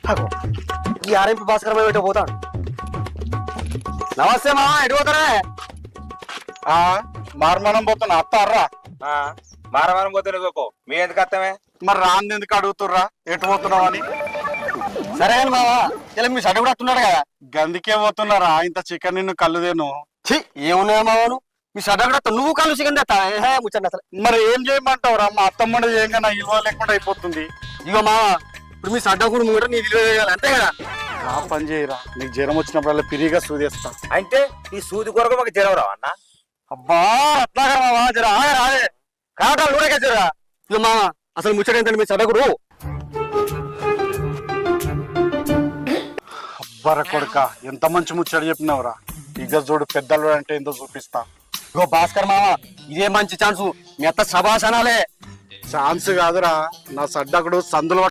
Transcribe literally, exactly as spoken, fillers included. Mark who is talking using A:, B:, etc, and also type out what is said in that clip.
A: ఈ ఆర్ఎంపీ భాస్కర్ బయట పోతాడు. నమస్తే మామ, ఎటు పోతారా?
B: మారమానం పోతున్నా అత్తారా.
C: మారమానం పోతే నువ్వు మీ ఎందుకు అత్తమే?
B: మరి రాంది ఎందుకు అడుగుతుర్రా ఎటు పోతున్నావు అని?
A: సరే కానీ మామ, ఇలా మీ షర్ట్ కూడా వస్తున్నాడు కదా.
B: గందికే పోతున్నారా ఇంత చికెన్ నిన్ను కళ్ళుదేను.
A: ఛీ, ఏమున్నాయా మామను, మీ షర్ట్ కూడా నువ్వు కళ్ళు చికెన్ తెస్తా ముచ్చండి అసలు.
B: మరి ఏం చేయమంటావురా? మా అత్తమ్మ చేయంగా నా ఇల్వ లేకుండా అయిపోతుంది.
A: ఇగో మామ, ఇప్పుడు మీ షర్ట్ కూడా ముంగట నీ విలువ చేయాలి అంతే కదా.
B: ఆ పని చేయరా, నీకు జ్వరం వచ్చినప్పుడల్లా పిరిగా సూదేస్తా.
C: అంటే ఈ సూది కొరకు మాకు జ్వరం రావు అన్న?
A: అబ్బా అట్లాగా మామ, జరా రాదే కావటాలు కూడా జరా. ఇగో మామ, అసలు ముచ్చట ఏంటంటే మీ షర్ట్ కూడా
B: అబ్బర కొడుక, ఎంత మంచి ముచ్చట చెప్పినావురా. ఇక చూడు పెద్దలు అంటే ఏందో చూపిస్తా.
A: ఇగో భాస్కర్ మామ, ఇదే మంచి ఛాన్సు, మీ అత్త సభాసనాలే.
B: ఛాన్స్ కాదురా, నా సడ్డకుడు సందులో